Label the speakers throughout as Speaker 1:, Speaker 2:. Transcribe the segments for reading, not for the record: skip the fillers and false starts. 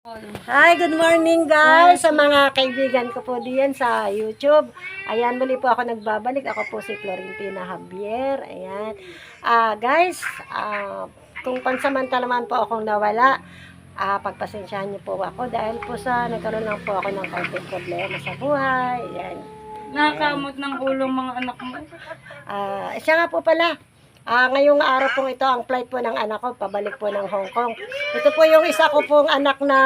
Speaker 1: Hi, good morning guys sa mga kaibigan ko po diyan sa YouTube. Ayan, muli po ako nagbabalik. Ako po si Florentina Javier. Ayan. Guys, kung pansamantala man po akong nawala, pagpasensyahan niyo po ako dahil po sa nagkaroon lang po ako ng konting problema sa buhay. Ayan.
Speaker 2: Nakakamot ng ulong mga anak mo.
Speaker 1: Siya nga po pala. Ngayong araw pong ito, ang flight po ng anak ko, pabalik po ng Hong Kong. Ito po yung isa ko pong anak na...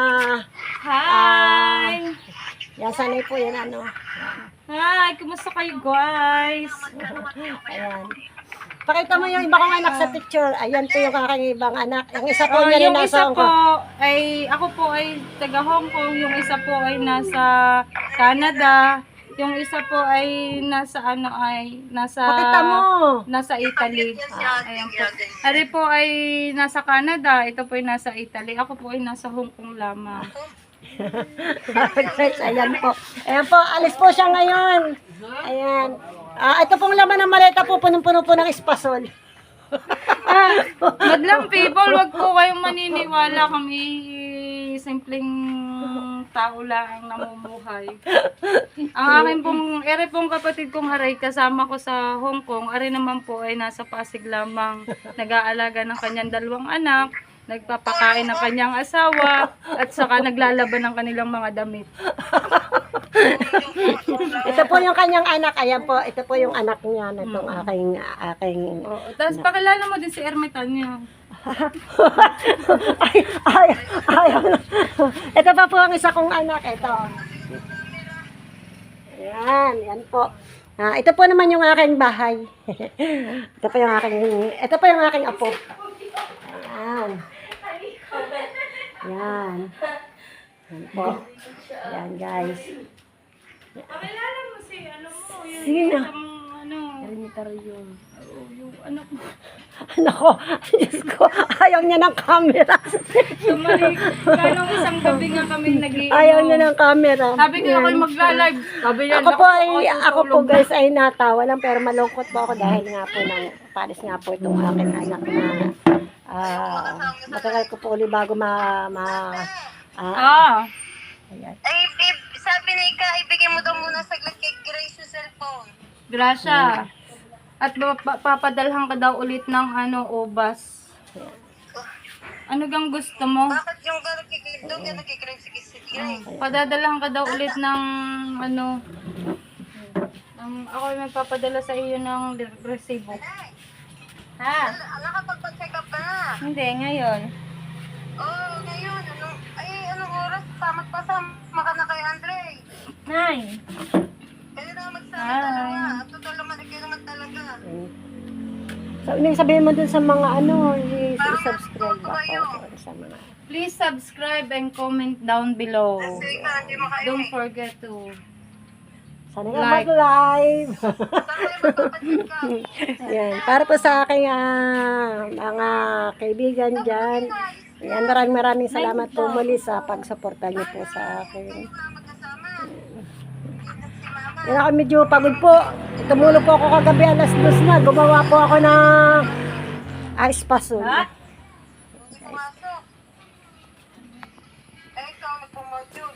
Speaker 2: Hi!
Speaker 1: Yan, sanay po yan, ano.
Speaker 2: Hi! Kumusta kayo, guys?
Speaker 1: Ayan. Pakita mo yung iba kong anak sa picture. Ayan po yung aking ibang anak. Yung isa po niya rin
Speaker 2: Yung
Speaker 1: nasa
Speaker 2: isa
Speaker 1: Hong
Speaker 2: po
Speaker 1: Kong.
Speaker 2: ay, ako po ay taga Hong Kong. Yung isa po ay nasa Canada. Yung isa po ay nasa
Speaker 1: Pakita mo.
Speaker 2: nasa Italy. Ayan po. Ari po ay nasa Canada. Ito po ay nasa Italy. Ako po ay nasa Hong Kong lamang.
Speaker 1: Guys, ayan po. Ayan po, alis po siya ngayon. Ayan. Ito pong laman ng maleta po, punong-puno po ng espasol.
Speaker 2: Madlang people, wag po kayong maniniwala. Kami simpleng tao lang namumuhay. Ang akin pong, ere pong kapatid kong aray, kasama ko sa Hong Kong, aray naman po ay nasa Pasig lamang, nag-aalaga ng kanyang 2 anak, nagpapakain ng kanyang asawa, at saka naglalaban ng kanilang mga damit.
Speaker 1: Ito po yung kanyang anak. Ayan po, ito po yung anak niya na itong aking...
Speaker 2: Tapos pakilala mo din si Ermitanyo.
Speaker 1: ay. Ito pa po ang isa kong anak. Ito. Yan po. Ito po naman yung aking bahay. Ito po yung aking apo. Ayan. Yan. Yan po. Yan guys.
Speaker 2: Pakilala mo si ano mo, yung
Speaker 1: Sino?
Speaker 2: yung anak mo.
Speaker 1: Nako, Diyos ko, ayaw niya ng camera.
Speaker 2: Sumali, ganong isang gabi nga kami nag-iinom.
Speaker 1: Ayaw niya ng camera.
Speaker 2: Sabi ko ako'y magla-live. Sabi niya,
Speaker 1: Ako po guys ay natawa lang pero malungkot po ako dahil nga po palis nga po itong aking anak na matagal ko po ulit bago ayan.
Speaker 3: Ay, babe, sabi ni Ika, ibigay mo daw muna saglit kay Grace yung cellphone.
Speaker 2: Grasya. At papadalhan ka daw ulit ng ubas. Ano gang gusto mo?
Speaker 3: Bakit yung gano'n kay Grace daw, gano'n kay Grace, si Grace?
Speaker 2: Padadalhan ka daw ulit ng ako ay magpapadala sa iyo ng resibo. Ha?
Speaker 3: Nakapagpa-check up ka na.
Speaker 2: Hindi, ngayon.
Speaker 3: Oo, ngayon, anong oras? Samat pa ka na kay Andre.
Speaker 2: Nay.
Speaker 3: Kaya na magsama-dalawa. At total naman, kayo naman talaga.
Speaker 1: So, ibig sabihin mo dun sa mga i-subscribe ako sa mga...
Speaker 2: Please subscribe and comment down below.
Speaker 3: Kasi Ika, hindi makain
Speaker 2: Don't forget to
Speaker 1: Sana nga
Speaker 2: Like.
Speaker 1: mag-live.
Speaker 3: Saan kayo magpapacheck up?
Speaker 1: Yan, para po sa aking mga kaibigan dyan. Yan, maraming salamat po muli sa pagsuporta niyo po sa akin.
Speaker 3: Magkasama.
Speaker 1: Yan ako medyo pagod po. Tumulog po ako kagabi 2:00 na. Gumawa po ako ng espasol.
Speaker 3: Hindi pumasok. Eh, ikaw nagpumodule.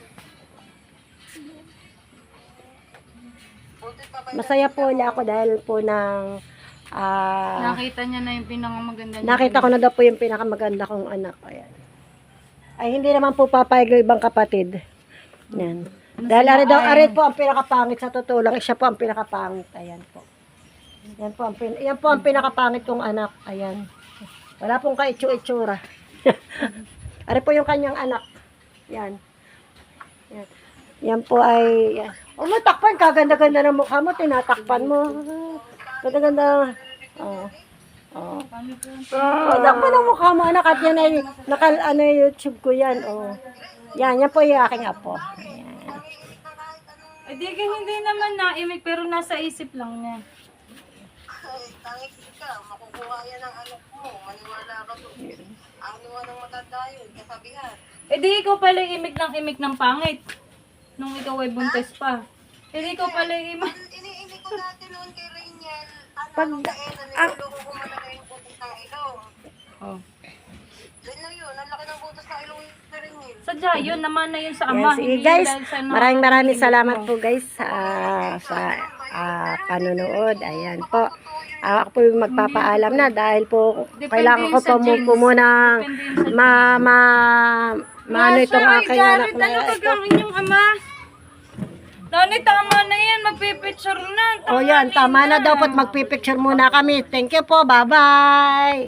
Speaker 3: Buti pa ba
Speaker 1: Masaya po ulit ako dahil po ng
Speaker 2: nakita niya na yung pinakamaganda niya.
Speaker 1: nakita ko na daw po yung pinakamaganda kong anak. Ayan. Ay hindi naman po papayag yung ibang kapatid. Yan. Dahil ari po ang pinakapangit sa totoo lang. Siya po ang pinakapangit. Ayan po. Yan po ang pinakapangit kong anak. Ayan. Wala pong kaitsu-itsura. Ari po yung kanyang anak. Yan. Yan. Yan po ay... Yan. Matakpan. Kaganda-ganda ng mukha mo. Tinatakpan mo. Ganda-ganda. Takpan ng mukha mo. Anak. At yan ay... YouTube ko yan. Yan po yung aking apo. Ayan.
Speaker 2: Eh, di ka hindi naman naimik, pero nasa isip lang niya.
Speaker 3: Ay, tangik ka, makukuha yan ang anak mo. Maniwala ka to. Ang niwalang matanda yun, kasabihan.
Speaker 2: Eh, di ikaw pala imik ng pangit. Nung ikaw ay buntis pa. Eh, di ikaw pala imik.
Speaker 3: Iniinig ko dati noon kay Rainiel.
Speaker 1: Pag-
Speaker 3: Nung kainan, niluloko ko man na yung putik ng ilong.
Speaker 2: Oh.
Speaker 3: Then na yun, ang laki ng butas ng ilong
Speaker 2: Sadya, yun naman na yun sa
Speaker 1: Yan,
Speaker 2: ama.
Speaker 1: sige
Speaker 2: hindi
Speaker 1: guys,
Speaker 2: dahil sa
Speaker 1: maraming salamat po guys sa panonood. Ayan po. Ako po yung magpapaalam na dahil po kailangan ko po munang maano itong aking anak na
Speaker 2: Ano gagawin yung ama? Nani, tama na yan. Magpipicture na.
Speaker 1: O yan, tama na daw po. Magpipicture muna kami. Thank you po. Bye-bye.